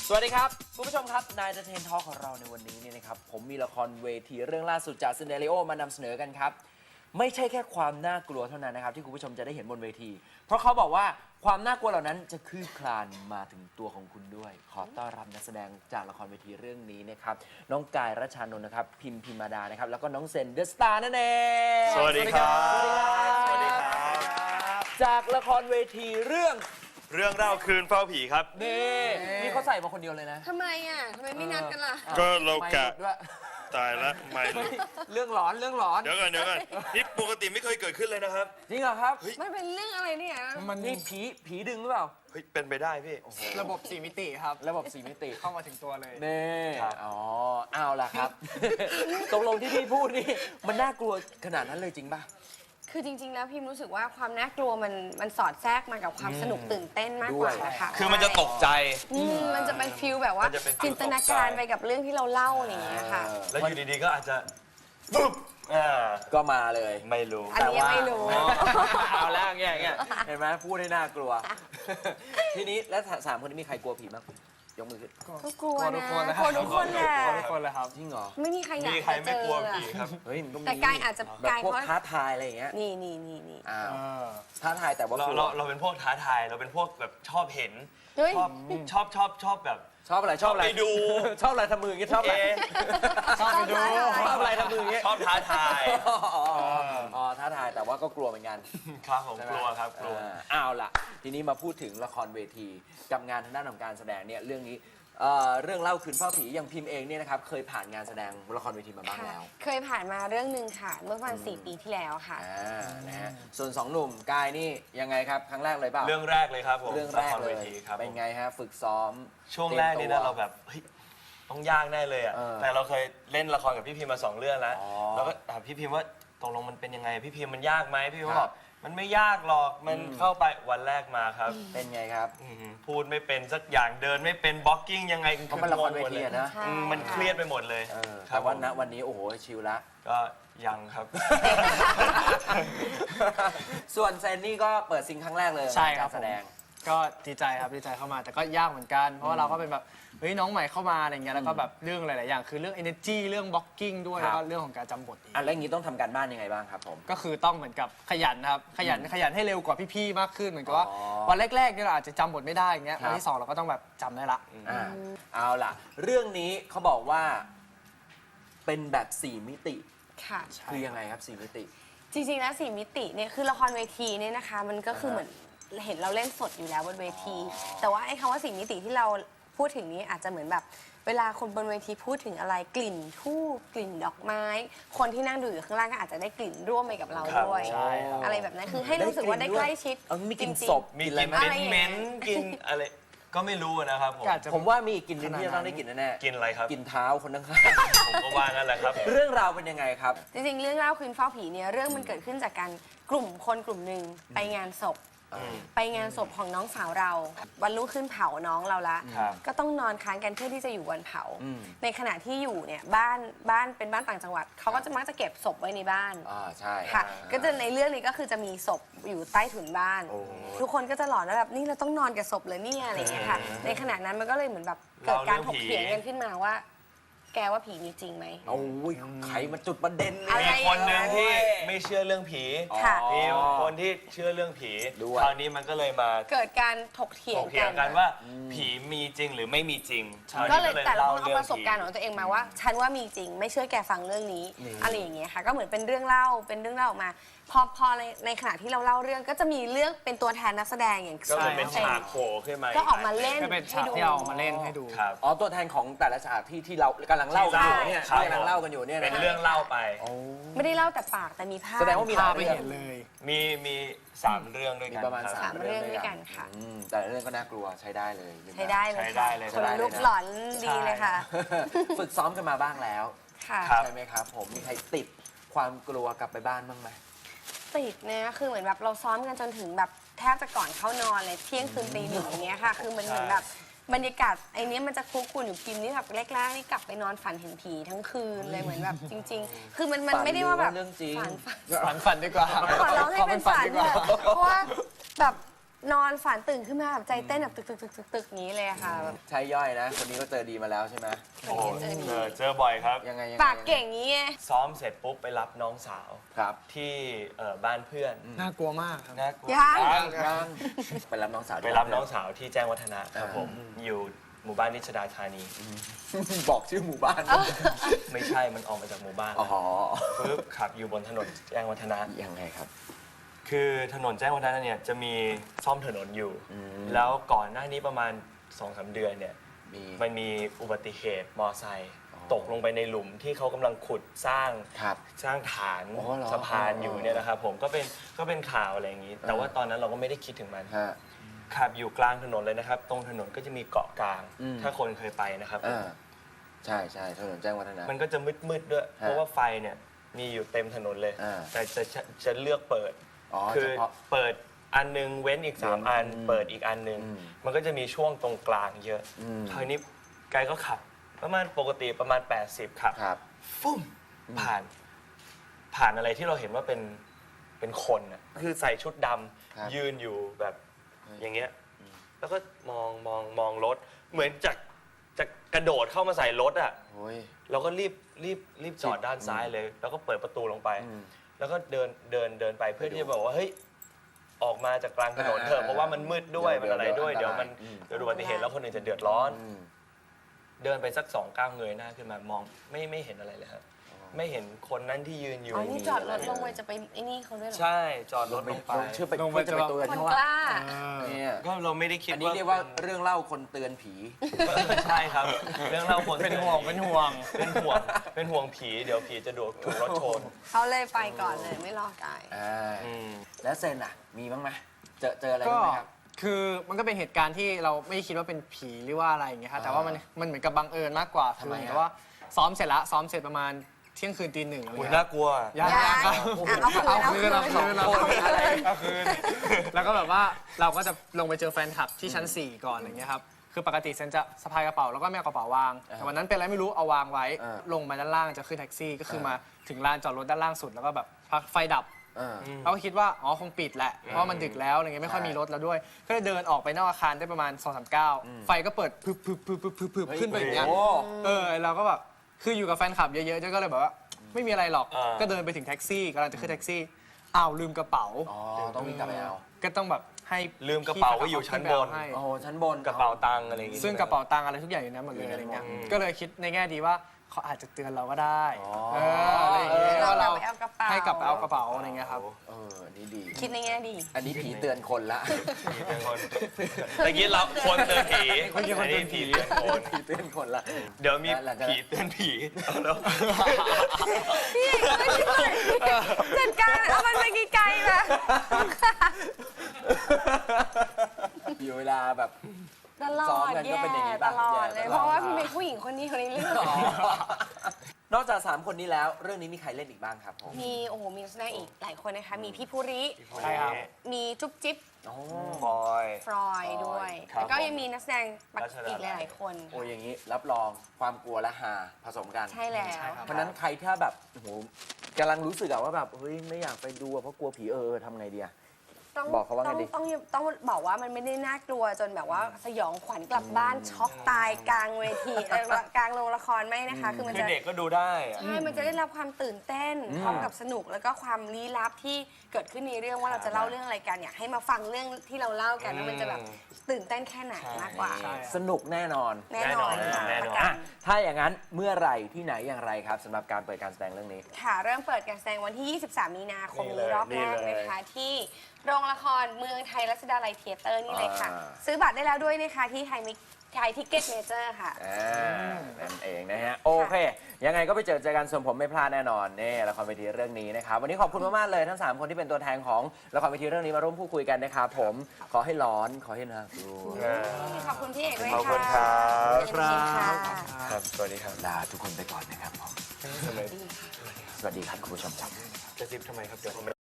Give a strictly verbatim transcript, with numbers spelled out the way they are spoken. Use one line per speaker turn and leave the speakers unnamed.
สวัสดีครับคุณผู้ชมครับนายเทนทอล์ของเราในวันนี้เนี่ยนะครับผมมีละครเวทีเรื่องล่าสุดจากซินเดเรโอมานำเสนอกันครับไม่ใช่แค่ความน่ากลัวเท่านั้นนะครับที่คุณผู้ชมจะได้เห็นบนเวทีเพราะเขาบอกว่าความน่ากลัวเหล่านั้นจะคืบคลานมาถึงตัวของคุณด้วยขอต้อนรับนักแสดงจากละครเวทีเรื่องนี้นะครับน้องกายรัชชานนท์นะครับพิมพิมมาดานะครับแล้วก็น้องเซนเดอะสตาร์นั่นเอง
สวัสดีครับ
สวัสดีครับจากละครเวทีเรื่อง
เรื่องเล่าคืนเฝ้าผีครับ
นี่นี่เขาใส่มาคนเดียวเลยนะ
ทำไมอ่ะ ทำไมไม่นัดกันล่ะ
ก็เรากะ
ไม่ด้วย
ตายละไม่
เรื่องหลอนเรื่องหลอน
เดี๋ยวก่อนเดี๋ยวก่อนนี่ปกติไม่เคยเกิดขึ้นเลยนะครับ
จริงเหรอครับ
มันเป็นเรื่องอะไรเนี่ย
มันนี่ผีผีดึงหรือเปล่า
เฮ้ยเป็นไปได้พี่
ระบบสี่มิติครับ
ระบบสี่มิติ
เข้ามาถึงตัวเลย
เน่
ครับ
อ๋อเอาล่ะครับ ตกลงที่พี่พูดนี่มันน่ากลัวขนาดนั้นเลยจริงป่ะ
คือจริงๆ แล้วพิมรู้สึกว่าความน่ากลัวมันมันสอดแทรกมากับความสนุกตื่นเต้นมากกว่านะคะ
คือมันจะตกใจ
อืมมันจะเป็นฟิลแบบว่าน
จะเป็นฟีล
จินตนาการไปกับเรื่องที่เราเล่าอย่างเงี้ยค่ะ
แล้วอยู่ดีๆก็อาจจะปุ๊บอ่า
ก็มาเลย
ไม่รู้
อันนี้ยังไม่รู้
อ๋อเอาแล้วเงี้ยเงี้ยเห็นไหมพูดให้น่ากลัว ทีนี้แล้วสามคนนี้มีใครกลัวผีบ้างยกมือขึ้น
ก็กลัว
กลัวทุ
นะ
กคนนะ
กลัวทุกคนแหละ
กลัวทุกคนเลยครับ
จริงเหรอ
ไม่มีใครอยาก
มีใคร
จะเจ
ไม่
อก
ลัว
อะ
ผีครับ
เฮ้ยมันก็มี
แต่กายอาจจะ
แบบ
กาย
พวก
เพราะ
ท้าทายอะไรอย่างเงี้ย
นี่นี่นี่นี่
อ้าว
เออ
ท้าทายแต่ว่า
เรา
กลัว
เราเราเป็นพวกท้าทายเราเป็นพวกแบบชอบเห็น
เฮ้ย
ชอบชอบชอบชอบแบบ
ชอบอะไรชอบอะไร
ไปดู
ชอบอะไรทำมืออย่างเงี้ยชอบอะไร
เอ๊ะ
ชอบไปดู
ชอบอะไรทำมืออย่างเงี้ย
ชอบท้าทาย
อ๋ออ๋ออ๋อท้าทายแต่ว่าก็กลัวเหมือนกัน
ครับผม
ใช่ไหม
กลัวครับกลัว
อ่าเอาล่ะ ทีนี้มาพูดถึงละครเวทีกับงานทางด้านของการแสดงเนี่ยเรื่องนี้เอ่อเรื่องเล่าคืนเฝ้าผีอย่างพิมพ์เองเนี่ยนะครับเคยผ่านงานแสดงละครเวทีมาบ้าง
ค่ะ
แล้ว
เคยผ่านมาเรื่องหนึ่งค่ะ เมื่อประมาณสี่ปีที่แล้วค่ะ
อ่านะฮะส่วนสองหนุ่มกายนี่ยังไงครับครั้งแรกเลยเปล่า
เรื่องแรกเลยครับผม
เรื่องแรก
ละค
เล
เวย ทีครับ
เป็น
ผม
ไงฮะฝึกซ้อม
ช่วงแรกนี่
ตย
นะ
มตัว
เราแบบเฮ้ยต้องยากแน่เลยอ่ะ
เออ
แต่เราเคยเล่นละครกับพี่พิมพ์มาสองเรื่องแล้ว
อ๋อ
เราก็ถามพี่พิมพ์ว่าตกลงมันเป็นยังไงพี่พิมพ์มันยากไหมพี่พิมพ์
ครับ
บอกมันไม่ยากหรอกมัน
อืม
เข้าไปวันแรกมาครับ
เป็นไงครับ
อื้อหือพูดไม่เป็นสักอย่างเดินไม่เป็นบล็อกกิ้งยังไง
เพราะมันละครเวทีอะนะ
ใช่
อืมมันเครียดไปหมดเลย
เออ
ครั
แต่
บ
ว่า
ผม
ณวันนี้โอ้โหชิลละ
ก็ยังครับ
ส่วนเซนนี่ก็เปิดซิงครั้งแรกเลย
ใช่ครับ
กาแสดง
ก็ดีใจครับดีใจเข้ามาแต่ก็ยากเหมือนกัน เพราะว่าเราก็เป็นแบบเฮ้ยน้องใหม่เข้ามาอะไรเงี้ยแล้วก็แบบเรื่องหลาย ๆ อย่างคือเรื่อง energy เรื่อง blocking ด้วย
ครับ
แล้วก็เรื่องของการจำบทอีก
อ่ะแล้วอย่างนี้ต้องทำการบ้านยังไงบ้างครับผม
ก็คือต้องเหมือนกับขยันนะครับขยันขยันให้เร็วกว่าพี่ ๆ มากขึ้นเหมือนกับว่า
อ๋อ
วันแรก ๆ เนี่ยเราอาจจะจำบทไม่ได้อย่างเงี้ย
ครับ
วันที่สองเราก็ต้องแบบจำได้ละ
อ่าเอาล่ะ เรื่องนี้เขาบอกว่าเป็นแบบสี่มิติ
ค่ะ
คือยังไงครับสี่มิติ
จริงๆ แล้วสี่มิติเนี่ยคือละครเวทีเนี่ยนะคะ มันก็คือ
อ่าฮะ
เหมือนเห็นเราเล่นสดอยู่แล้วบนเวที แต่ว่าไอ้คำว่าสี่มิติที่เราพูดถึงนี้อาจจะเหมือนแบบ เวลาคนบนเวทีพูดถึงอะไรกลิ่นทูบกลิ่นดอกไม้ คนที่นั่งดูอยู่ข้างล่างก็อาจจะได้กลิ่นร่วมไปกับเรา
ครับ
ด้วย
ใช่ครับ
อะไรแบบนั้นคือให้รู้สึกว่าได้ใกล้ชิด
เออมีกลิ่น
จริงๆ
ศพ
มี
ก
ก
ลิ่
ลิ
น
น
อะไรไหม
เหม็นๆกินอะไรก็ไม่รู้นะครับผม
ก็อาจจะ
ผมว่ามีอีกกลิ่นหนึงที่จะต้องได้กลิ่นแน่ๆ
กินอะไรครับ
กลิ่นเท้าคนข้าง
ผมก็ว่างั้นแหละครับ
ๆ เรื่องราวเป็นยังไงครับ
จริงๆ เรื่องเล่าคืนเฝ้าผีเนี่ยเรื่องมันเกิดขึ้นจากการกลุ่มคนกลุ่มหนึ่งไปงานศพ
อืม
ไปงานศพของน้องสาวเรา วันรุ่งขึ้นเผาน้องเราละ
ครับ
ก็ต้องนอนค้างกันเพื่อที่จะอยู่วันเผา
อืม
ในขณะที่อยู่เนี่ยบ้านบ้านเป็นบ้านต่างจังหวัดเขาก็จะมักจะเก็บศพไว้ในบ้าน
อ่าใช่
ค่ะ ก็จะในเรื่องนี้ก็คือจะมีศพอยู่ใต้ถุนบ้าน
โอ้
ทุกคนก็จะหลอนว่าแบบนี่เราต้องนอนกับศพเลยเนี่ยอะไรอย่างเงี้ยค่ะ ในขณะนั้นมันก็เลยเหมือนแบบเกิดการถกเถียงกันขึ้นมาว่า แกว่าผีมีจริงไหม
โอ้ยไขมาจุดประเด็นเล
อะไร
ย
มีคนหนึ่งที่ไม่เชื่อเรื่องผี
ค่ะ
อ๋อ
มีคนที่เชื่อเรื่องผี
ด้วย
คราวนี้มันก็เลยมา
เกิดการถกเถีย
ถ
ง
กเถีย
กั
ง
น
กันว่าผีมีจริงหรือไม่มีจริงคราว
ก็
นี้
เลยแต่ละคนเอา
เรื่อง
ประสบการณ์ของตัวเองมาว่า ฉันว่ามีจริงไม่เชื่อแกฟังเรื่องนี้
นี่
อะไรอย่างเงี้ยค่ะก็เหมือนเป็นเรื่องเล่าเป็นเรื่องเล่าออกมาพอพอในในขณะที่เราเล่าเรื่องก็จะมีเรื่องเป็นตัวแทนนักแสดงอย่าง
ก็เหมือน
ใช่
เป็นฉากโผล่ขึ้นมา
ก็ออกมาเล่น
ก็เป็น
ให้
ฉาก
ดู
ที่เอามาเล่นให้ดู
ครับ
อ๋อตัวแทนของแต่ละฉากที่ที่เรากำลังเล่ากันอยู่เนี่ย
ใช่
ที่กำลังเล่ากันอยู่เนี่ย
เป็น
นะ
เรื่องเล่าไป
โอ้
ไม่ได้เล่าแต่ปากแต่มีภาพ
แสดงว่ามีหลาย
ไป
เรื่อง
เห็นเลย
มีมีสามเรื่องด้วย
มี
กัน
ประมาณ
คบ
สาม
สามเรื่องด้วยกันค่ะ
อืมแต่ละเรื่องก็น่ากลัวใช้ได้เลย
ใช้ได้เลย
ใช้ได้
ค่ะ
เลย
คนลุกหลอนดีเลยค่ะ
ฝึกซ้อมกันมาบ้างแล้ว
ค่ะ
ครับ
ใช่ไหมครับ ผมมีใครติดความกลัวกลับไปบ้านบ้างไหม
ติดนะคือเหมือนแบบเราซ้อมกันจนถึงแบบแทบจะก่อนเข้านอนเลยเที่ยงคืนตีหนึ่งอย่างเงี้ยค่ะ คือมันเหมือนแบบบรรยากาศไอ้นี้มันจะคุกคุนอยู่พิมพ์นี่แบบแรกๆนี่กลับไปนอนฝันเห็นผีทั้งคืนเลยเหมือนแบบจริง ๆ คือมันมันไม่ได้ว่าแบบ
เรื่องจริง
ฝันฝัน
ฝันฝันดีกว่า
ขอร้องให้เป็นฝัน
ดี
เถ
กว่า
อะเพราะว่าแบบนอนฝันตื่นขึ้นมาแบบใจเต้นแบบตึกตึกตึกตึกตึกอย่างนี้เลยอะค่ะแบบ
ใช่ย่อยนะ คนนี้ก็เจอดีมาแล้วใช่ไหม
โอ้เจอเจอบ่อยครับ
ยังไงยังไง
ปากเก่งงี้ไง
ซ้อมเสร็จปุ๊บไปรับน้องสาว
ครับ
ที่เอ่อบ้านเพื่อน
น่ากลัวมากครับ
น่ากลัว
ยัง
ยัง
ยังไปรับน้องสาว
ไปรับน้องสาวที่แจ้งวัฒนะครับผมอยู่หมู่บ้านนิชดาธานี
บอกชื่อหมู่บ้าน
ไม่ใช่มันออกมาจากหมู่บ้าน
อ๋อ
ปุ๊บขับอยู่บนถนนแจ้งวัฒนะ
ยังไงครับ
คือถนนแจ้งวัฒนะเนี่ยจะมีซ่อมถนนอยู่
อืม
แล้วก่อนหน้านี้ประมาณสองสามเดือนเนี่ย
มี
มันมีอุบัติเหตุมอไซค์
อ๋อ
ตกลงไปในหลุมที่เขากำลังขุดสร้าง
ครับ
สร้างฐาน
อ๋อเหรอ
สะพานอยู่เนี่ยนะครับผมก็เป็นก็เป็นข่าวอะไรอย่างนี้ แต่ว่าตอนนั้นเราก็ไม่ได้คิดถึงมัน
ฮะ
ขับอยู่กลางถนนเลยนะครับ ตรงถนนก็จะมีเกาะกลาง
อืม
ถ้าคนเคยไปนะครับผม
อ่าใช่ใช่ถนนแจ้งวัฒนะ
มันก็จะมืดๆด้วย เพราะว่าไฟเนี่ยมีอยู่เต็มถนนเลย
อ่า
แต่จะจะจะเลือกเปิด
อ๋อ
คื
เฉ
อ
พาะ
เปิดอันหนึงเว้นอีกสาม
เว้น
อัน
อืม
เปิดอีกอันหนึง
อืม
มันก็จะมีช่วงตรงกลางเยอะ
อืม
คราวนี้ไกด์ก็ขับ ประมาณปกติประมาณ แปดสิบขับ
ครับ
ฟุ่มผ่าน ผ่านอะไรที่เราเห็นว่าเป็นเป็นคนน่ะคือใส่ชุดดำ
ครับ
ยืนอยู่แบบ
เฮ้ย
อย่างเงี้ย แล้วก็มองมองมองรถ เหมือนจะจะกระโดดเข้ามาใส่รถอ่ะ
โอ้ย
เราก็รีบรีบรีบจอดด้านซ้ายเลย แล้วก็เปิดประตูลงไป
อืม
แล้วก็เดินเดินเดินไปเพื่อที่จะบอกว่าเฮ้ยออกมาจากกลางถนนเถ
อ่า
อะเพราะว่ามันมืดด้วย
เดี๋
มั
ยวน
อะไรด้วย
เดี๋
เดี๋
ย
ยว ว
มั
มัน น
อืม
เกิดอุบัติเหตุแล้วคนอื่นจะเดือดร้อน
อืม
เดินไปสักสองก้าวเงยหน้าขึ้นมามองไม่ไม่เห็นอะไรเลยครับไม่เห็นคนนั้นที่ยืนอยู่
อ๋อนี่จอดรถลงไปจะไปไอ้นี่เขาด้วยเหรอ
ใช่จอดรถลงไป
เชื่อไป
ลงไป
เพื่อจะไป
จะ
เตือน
คน
เขา
ก
ว่า
ล้า
เนี่ย
ก็เราไม่ได้คิด
อันนี้เรียกว่าเรื่องเล่าคนเตือนผี
ใช่ครับ เรื่องเล่าคน
เป็นห่วงเป็นห่วง
เป็นห่วงเป็นห่วงผีเดี๋ยวผีจะโดนถูกรถชน
เขาเลยไปก่อนเลยไม่รอกาย
อ่า
อืม
แล้วเซนอ่ะ มีบ้างไหมเจอเจออะไร
ก็
บ้างไหมครับ
คือมันก็เป็นเหตุการณ์ที่เราไม่คิดว่าเป็นผีหรือว่าอะไรอย่างเงี้ยครับแต่ว่ามันมันเหมือนกับบังเอิญมากกว่า
ทำ
คือ
ไม
เหมือน
อะ
กับว่าซ้อมเสร็จละซ้อมเสร็จประมาณเที่ยงคืนตีหนึ่งอะไร
อุ้ย
เงี้ย
น่ากลัว
ยัง
ยัง
ยังครับ
อ่ะเอาคืน
เอาคืน
เอา
เอา
คื
คื
น
นอะไรเอาคืนแล้วก็แบบว่าเราก็จะลงไปเจอแฟนคลับที่ชั้นสี่ก่อนอะไรเงี้ยครับคือปกติเซนจะสะพายกระเป๋าแล้วก็ไม่เอากระเป๋าวาง
อ่า
แต่วันนั้นเป็นอะไรไม่รู้เอาวางไว้
อ่า
ลงมาด้านล่างจะขึ้นแท็กซี่ ก็คือ
อ่าม
มาถึงลานจอดรถด้านล่างสุดแล้วก็แบบพักไฟดับ
อ่า
เราก็คิดว่า อ๋อ คงปิดแหละ เพราะว่ามันดึกแล้วอะไรเงี้ยไม่ค่อยมีรถแล้วด้วย ก็เลยเดินออกไปนอกอาคารได้ประมาณสองสามก้าวไฟก็เปิดพึบพึบพึบพึบพึบพึบขึ้นไปอย่างเงี้ย
โอ้
เออเราก็แบบคืออยู่กับแฟนคลับเยอะๆก็เลยแบบว่า ไม่มีอะไรหรอก
อ่า
ก็เดินไปถึงแท็กซี่กำลังจะขึ้นแท็กซี่อ้าวลืมกระเป๋า
อ๋อ ต้องวิ่งกลับไปเอา
ก็ต้องแบบให้
ลืมกระเป๋าไว้อยู่ชั้นบน
ให้
โอ้โห ชั้นบน
กระเป๋าตังค์อะไรอย่างงี้
ซึ่งกระเป๋าตังค์อะไรทุกอย่างอยู่ในนั้นหมดเลยอะไรเงี้ย
อืม
ก็เลยคิดในแง่ดีว่าเขาอาจจะเตือนเราก็ได้
อ๋อ
เอออะไรอย่างเงี้ย
เรา
ว่าเรา
กลับไปเอากระเป๋า
ให้กลับไปเอากระเป๋าอะไรเงี้ยครับ
เอออันนี่ดี
คิดในแง่ดี
อันนี้ผีเตือนคนละ
ผีเตือนคนตะกี้เราควรเตือนผี
เมื่อกี้คนเตือนผี
ผีเตือนคน
ผีเตือนคนละ
เดี๋ยวมี
แล้วหลังจากนั้น
ผีเตือนผีเอาแล้ว
พี่ไม่ใช่จัดการเอามันไปไกลๆนะ
อยู่เวลาแบบ
ตลอ
ซ้อม
ด
กันก็
แย่
เป็นอย่างนี้
ต
ป่ะ
ลอด
แย่
เลย
ตลอด
เพราะว่าพี่เป็นผู้หญิงคนนี้คนนี้เรื่อง
นอกจากสามคนนี้แล้ว เรื่องนี้มีใครเล่นอีกบ้างครับผม
มีโอ้โหมีนักแสดงอีกหลายคนนะคะ มีพี่ภูริ
ใช่ครับ
มีจุ๊บจิ๊บ
อ๋อ
บอย
ฟรอยด้วย
ครับ
แล้วก็ยังมีนักแสดง
รัชดา
อีกหลายๆคน
โอ้ยอย่างนี้รับรองความกลัวและฮาผสมกัน
ใช่แล้ว
ใช่ครับ
เพราะฉะนั้นใครถ้าแบบโอ้โหกำลังรู้สึกอะว่าแบบเฮ้ยไม่อยากไปดูอะเพราะกลัวผีเออทำไงดีอะ
ต้อง
บอกเขาว่าไง
ต้อง
ดี
ต้องต้องบอกว่ามันไม่ได้น่ากลัวจนแบบว่าสยองขวัญกลับบ้านช็อกตายกลางเวทีเอ่อกลางโรงละครไม่นะคะ คือมัน
คือ
จะ
เด็กก็ดูได้อะ
ใช่ มันจะได้รับความตื่นเต้นพร้อมกับสนุกแล้วก็ความลี้ลับที่เกิดขึ้นในเรื่องว่าเราจะเล่าเรื่องอะไรกันอยากให้มาฟังเรื่องที่เราเล่ากันว่ามันจะแบบตื่นเต้นแค่ไหนมากกว่า
ใช่
สนุกแน่นอน
แน่นอนค่ะ
แน่นอน
ประกั
อ่ะ
น
ถ้าอย่างนั้นเมื่อไหร่ที่ไหนอย่างไรครับสำหรับการเปิดการแสดงเรื่องนี้
ค่ะ เริ่มเปิดการแสดงวันที่ ยี่สิบสาม มีนาคม
นี่เล
นี้
ย
รอบแรก
นี่เลย
นะคะ ที่โรงละครเมืองไทยรัชดาลัยเทเตอร์นี่เลยค่ะ
อ่า
ซื้อบัตรได้แล้วด้วยนะคะที่ไทยมิไทยทิกเก็ตเมเจอร์ค่ะ
อ่านั่นเองนะฮะ โอเค ยังไงก็ไปเจอเจอกันส่วนผมไม่พลาดแน่นอนนี่ละครเวทีเรื่องนี้นะครับ วันนี้ขอบคุณมาก ๆ เลยทั้ง 3 คนที่เป็นตัวแทนของละครเวทีเรื่องนี้มาร่วมพูดคุยกันนะครับผมขอให้ร้อนขอให้น่ากลัว
ขอบคุณพี่เอกด้วย
ขอบ
ค่ะ
คุณครับ
ยินดีค่ะ
ครับสวัสดีครับ
ลาทุกคนไปก่อนนะครับผม
ทำไม
สวัสดีครับคุณผู้ชมครับ
จะซิบทำไมครับเดี๋ยวผม